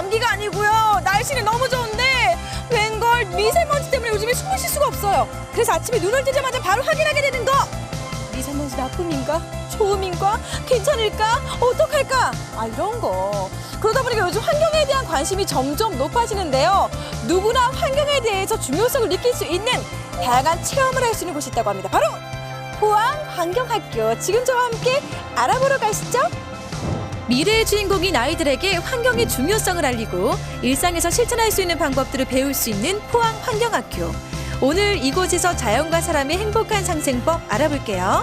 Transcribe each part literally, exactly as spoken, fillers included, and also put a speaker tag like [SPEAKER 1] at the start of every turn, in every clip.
[SPEAKER 1] 감기가 아니고요. 날씨는 너무 좋은데 웬걸 미세먼지 때문에 요즘에 숨을 쉴 수가 없어요. 그래서 아침에 눈을 뜨자마자 바로 확인하게 되는 거. 미세먼지 나쁨인가? 좋음인가? 괜찮을까? 어떡할까? 아, 이런 거. 그러다 보니까 요즘 환경에 대한 관심이 점점 높아지는데요. 누구나 환경에 대해서 중요성을 느낄 수 있는 다양한 체험을 할 수 있는 곳이 있다고 합니다. 바로 포항환경학교. 지금 저와 함께 알아보러 가시죠. 미래의 주인공인 아이들에게 환경의 중요성을 알리고 일상에서 실천할 수 있는 방법들을 배울 수 있는 포항환경학교. 오늘 이곳에서 자연과 사람의 행복한 상생법 알아볼게요.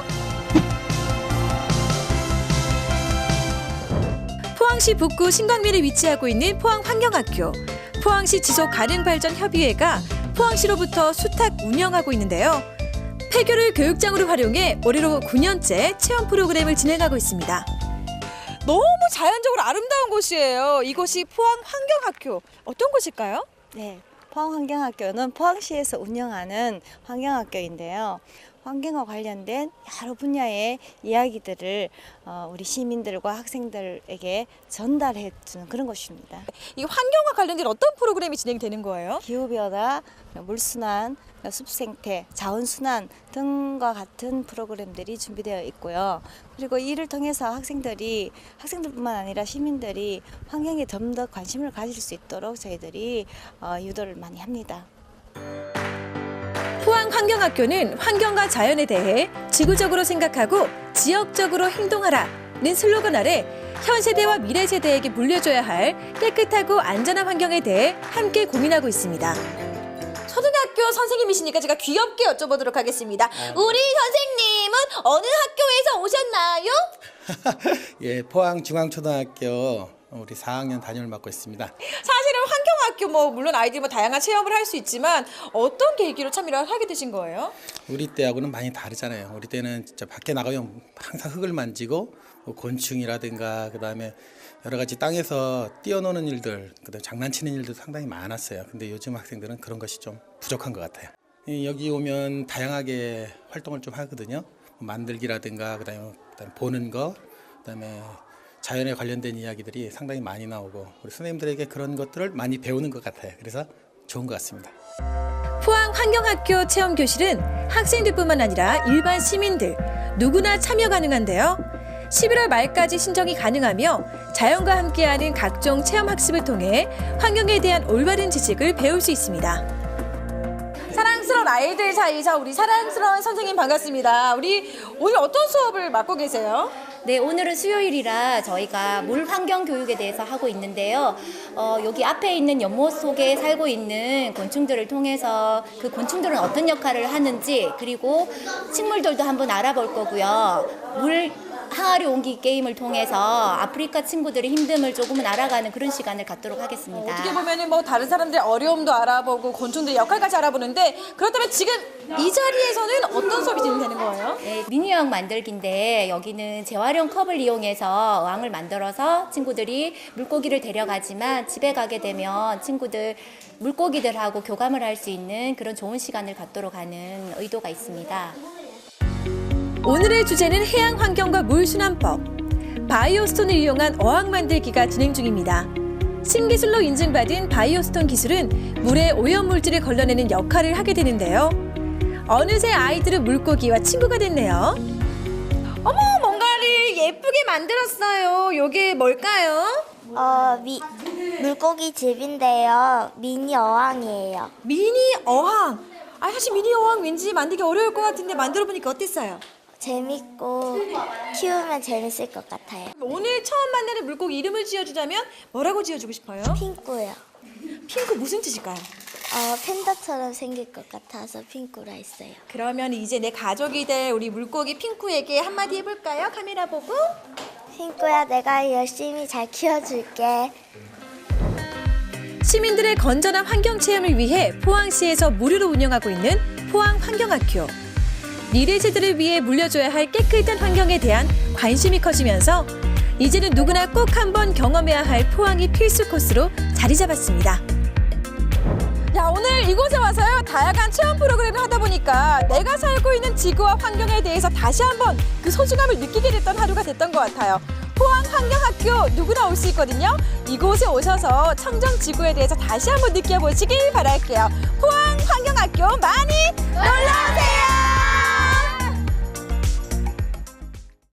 [SPEAKER 1] 포항시 북구 신광면에 위치하고 있는 포항환경학교. 포항시 지속가능발전협의회가 포항시로부터 수탁 운영하고 있는데요. 폐교를 교육장으로 활용해 올해로 구 년째 체험 프로그램을 진행하고 있습니다. 너무 자연적으로 아름다운 곳이에요. 이곳이 포항환경학교. 어떤 곳일까요?
[SPEAKER 2] 네, 포항환경학교는 포항시에서 운영하는 환경학교인데요. 환경과 관련된 여러 분야의 이야기들을 우리 시민들과 학생들에게 전달해 주는 그런 곳입니다.
[SPEAKER 1] 이 환경과 관련된 어떤 프로그램이 진행되는 거예요?
[SPEAKER 2] 기후변화, 물순환, 숲생태, 자원순환 등과 같은 프로그램들이 준비되어 있고요. 그리고 이를 통해서 학생들이, 학생들뿐만 아니라 시민들이 환경에 좀 더 관심을 가질 수 있도록 저희들이 유도를 많이 합니다.
[SPEAKER 1] 포항환경학교는 환경과 자연에 대해 지구적으로 생각하고 지역적으로 행동하라는 슬로건 아래 현 세대와 미래 세대에게 물려줘야 할 깨끗하고 안전한 환경에 대해 함께 고민하고 있습니다. 초등학교 선생님이시니까 제가 귀엽게 여쭤보도록 하겠습니다. 우리 선생님은 어느 학교에서 오셨나요?
[SPEAKER 3] 예, 포항중앙초등학교 우리 사 학년 담임을 맡고 있습니다.
[SPEAKER 1] 사실은 환경학교 뭐 물론 아이들이 뭐 다양한 체험을 할 수 있지만 어떤 계기로 참여를 하게 되신 거예요?
[SPEAKER 3] 우리 때하고는 많이 다르잖아요. 우리 때는 진짜 밖에 나가면 항상 흙을 만지고 뭐 곤충이라든가 그다음에 여러 가지 땅에서 뛰어노는 일들, 그다음에 장난치는 일도 상당히 많았어요. 근데 요즘 학생들은 그런 것이 좀 부족한 것 같아요. 여기 오면 다양하게 활동을 좀 하거든요. 만들기라든가 그다음에, 그다음에 보는 거, 그다음에 자연에 관련된 이야기들이 상당히 많이 나오고 우리 선생님들에게 그런 것들을 많이 배우는 것 같아요. 그래서 좋은 것 같습니다.
[SPEAKER 1] 포항환경학교 체험교실은 학생들뿐만 아니라 일반 시민들 누구나 참여 가능한데요. 십일월 말까지 신청이 가능하며 자연과 함께하는 각종 체험학습을 통해 환경에 대한 올바른 지식을 배울 수 있습니다. 사랑스러운 아이들 사이에서 우리 사랑스러운 선생님 반갑습니다. 우리 오늘 어떤 수업을 맡고 계세요?
[SPEAKER 4] 네, 오늘은 수요일이라 저희가 물 환경 교육에 대해서 하고 있는데요. 어, 여기 앞에 있는 연못 속에 살고 있는 곤충들을 통해서 그 곤충들은 어떤 역할을 하는지, 그리고 식물들도 한번 알아볼 거고요. 물 항아리 옮기 게임을 통해서 아프리카 친구들의 힘듦을 조금은 알아가는 그런 시간을 갖도록 하겠습니다.
[SPEAKER 1] 어떻게 보면은 뭐 다른 사람들의 어려움도 알아보고 곤충들의 역할까지 알아보는데, 그렇다면 지금 이 자리에서는 어떤 수업이 진행되는 거예요?
[SPEAKER 4] 네, 미니어항 만들기인데 여기는 재활용 컵을 이용해서 어항을 만들어서 친구들이 물고기를 데려가지만 집에 가게 되면 친구들 물고기들하고 교감을 할 수 있는 그런 좋은 시간을 갖도록 하는 의도가 있습니다.
[SPEAKER 1] 오늘의 주제는 해양 환경과 물순환법. 바이오스톤을 이용한 어항 만들기가 진행 중입니다. 신기술로 인증받은 바이오스톤 기술은 물에 오염물질을 걸러내는 역할을 하게 되는데요. 어느새 아이들은 물고기와 친구가 됐네요. 어머, 뭔가를 예쁘게 만들었어요. 이게 뭘까요?
[SPEAKER 5] 어, 미, 물고기 집인데요. 미니 어항이에요.
[SPEAKER 1] 미니 어항. 아, 사실 미니 어항 왠지 만들기 어려울 것 같은데 만들어 보니까 어땠어요?
[SPEAKER 5] 재밌고 키우면 재밌을 것 같아요.
[SPEAKER 1] 오늘 처음 만나는 물고기 이름을 지어주자면 뭐라고 지어주고 싶어요?
[SPEAKER 5] 핑크요.
[SPEAKER 1] 핑크 무슨 뜻일까요?
[SPEAKER 5] 어, 팬더처럼 생길 것 같아서 핑크라 했어요.
[SPEAKER 1] 그러면 이제 내 가족이 될 우리 물고기 핑크에게 한마디 해볼까요? 카메라 보고.
[SPEAKER 5] 핑크야, 내가 열심히 잘 키워줄게.
[SPEAKER 1] 시민들의 건전한 환경 체험을 위해 포항시에서 무료로 운영하고 있는 포항환경학교. 미래 세대를 위해 물려줘야 할 깨끗한 환경에 대한 관심이 커지면서 이제는 누구나 꼭 한번 경험해야 할 포항이 필수 코스로 자리 잡았습니다. 야, 오늘 이곳에 와서요, 다양한 체험 프로그램을 하다 보니까 내가 살고 있는 지구와 환경에 대해서 다시 한번 그 소중함을 느끼게 됐던 하루가 됐던 것 같아요. 포항 환경학교 누구나 올 수 있거든요. 이곳에 오셔서 청정지구에 대해서 다시 한번 느껴보시길 바랄게요. 포항 환경학교 많이 놀러오세요.